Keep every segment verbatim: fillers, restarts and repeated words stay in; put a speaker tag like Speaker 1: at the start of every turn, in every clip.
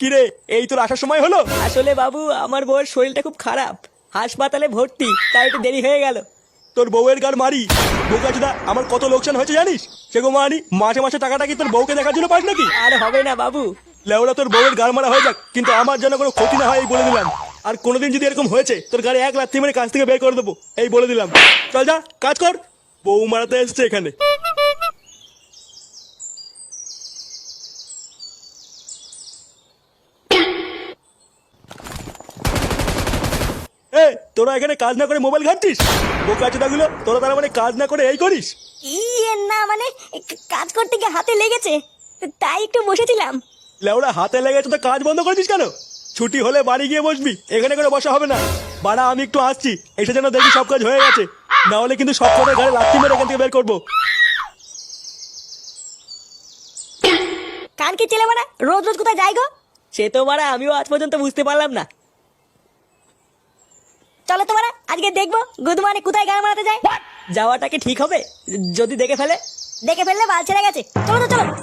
Speaker 1: কিরে, এই তোর আসার সময় হলো?
Speaker 2: আসলে বাবু আমার বউয়ের শরীরটা খুব খারাপ, হাসপাতালে ভর্তি, তাই একটু দেরি হয়ে গেল।
Speaker 1: তোর বউয়ের গার মারি বোকাচোদা, আমার কত লোকসান হয়েছে জানিস? সে গো মারি, মাসে মাসে টাকাটা কি তোর বউকে দেখার জন্য পাস নাকি?
Speaker 2: আর হবে না বাবু।
Speaker 1: লেওড়া, তোর বউয়ের গার মারা হয়ে যাক, কিন্তু আমার যেন কোনো ক্ষতি না হয় এই বলে দিলাম। আর কোনোদিন যদি এরকম হয়েছে তোর গাড়ি এক লাথি মেরে কাজ থেকে বের করে দেবো, এই বলে দিলাম। চল যা, কাজ কর। বউ মারাতে এসছে এখানে। এ, তোরা এখানে কাজ না করে মোবাইল ঘাঁটছিস? বোকাচোদা গুলো, তোরা তার মানে কাজ না করে এই করিস?
Speaker 3: ইয়ে না মানে কাজ করতে গিয়ে হাতে লেগেছে, তাই একটু বসেছিলাম।
Speaker 1: লেওড়া, হাতে লেগেছে তো কাজ বন্ধ করেছিস কেন? ছুটি হলে বাড়ি গিয়ে বসবি, এখানে করে বসা হবে না। বাড়া, আমি একটু আসছি, এসে যেন দেখি সব কাজ হয়ে গেছে, না হলে কিন্তু সব কটার ঘরে লাথি মেরে এখান থেকে বের করবো।
Speaker 3: কান কি ছেলে মানে রোজ রোজ কোথায় যাই গো?
Speaker 2: সে তো মারা আমিও আজ পর্যন্ত বুঝতে পারলাম না।
Speaker 3: চলো তোমারা আজকে দেখবো গুদমানে কোথায় গান মারাতে যায়।
Speaker 2: যাওয়াটা কি ঠিক হবে যদি দেখে ফেলে?
Speaker 3: দেখে ফেললে বাল ছেড়ে গেছে, চলো তো চলো।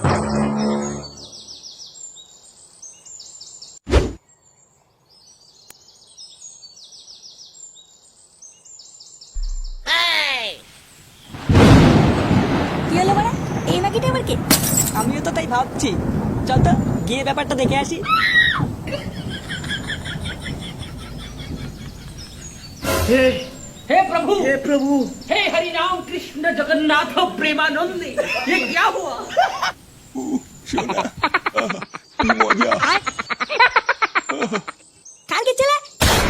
Speaker 3: কি হলো মানে এই মাগিটা আবার কি?
Speaker 2: আমিও তো তাই ভাবছি। চল তো গিয়ে ব্যাপারটা দেখে আসি।
Speaker 4: हे हे प्रभु हे प्रभु हे हरि राम कृष्ण जगन्नाथ प्रेमानंद, ये क्या हुआ?
Speaker 1: মজা।
Speaker 3: কান কি ছেলে?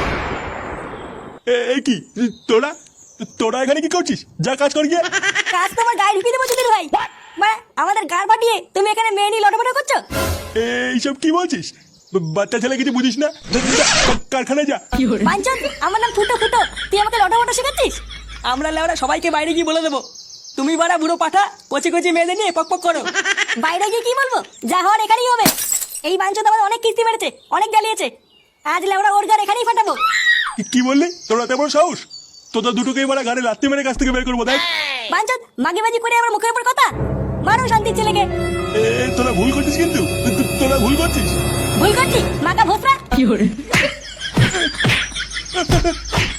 Speaker 1: এ- এই কি তোরা তোরা এখানে কি করছিস? যা কাজ কর গিয়ে।
Speaker 3: কাজ তোমার গায়ে ঢুকিয়ে দেবো চুদির ভাই। মানে আমাদের গাড় পাঠিয়ে তুমি এখানে মেয়ে নিয়ে লটপট করছো?
Speaker 1: এইসব কি বলছিস? বা- বাচ্চা ছেলে কিছু বুঝিস না? যা, যা, কারখানায় যা।
Speaker 3: বাঞ্চন, আমার নাম ফুটো ফুটো, তুই আমাকে লটপট শেখাচ্ছিস?
Speaker 2: আমরা লেওরা সবাইকে বাইরে গিয়ে বলে দেবো তুমি বাড়া বুড়ো পাঠা কচি কচি মেয়েদের নিয়ে পক পক করো।
Speaker 3: বাইরে গিয়ে কি বলবো? যা হওয়ার এখানেই হবে। এই বাঞ্চন আমাদের অনেক কিস্তি মেরেছে, অনেক গালিয়েছে, আজ লেওরা ওর গাড় এখানেই ফাটাবো।
Speaker 1: কি- কি বললি? তোরা তেমন সাহস? তোদের দুটোকেই মারা গাড়ি লাত্তি মেরে কাছ থেকে বের করবো, দেখ।
Speaker 3: বাঞ্চন মাগিবাজি করে আমার মুখের উপর কথা মারো শান্তির ছেলেকে।
Speaker 1: এ, তোরা ভুল করছিস, কিন্তু তো- তোরা ভুল করছিস।
Speaker 3: ভুল করছি মাকা ভোসরা।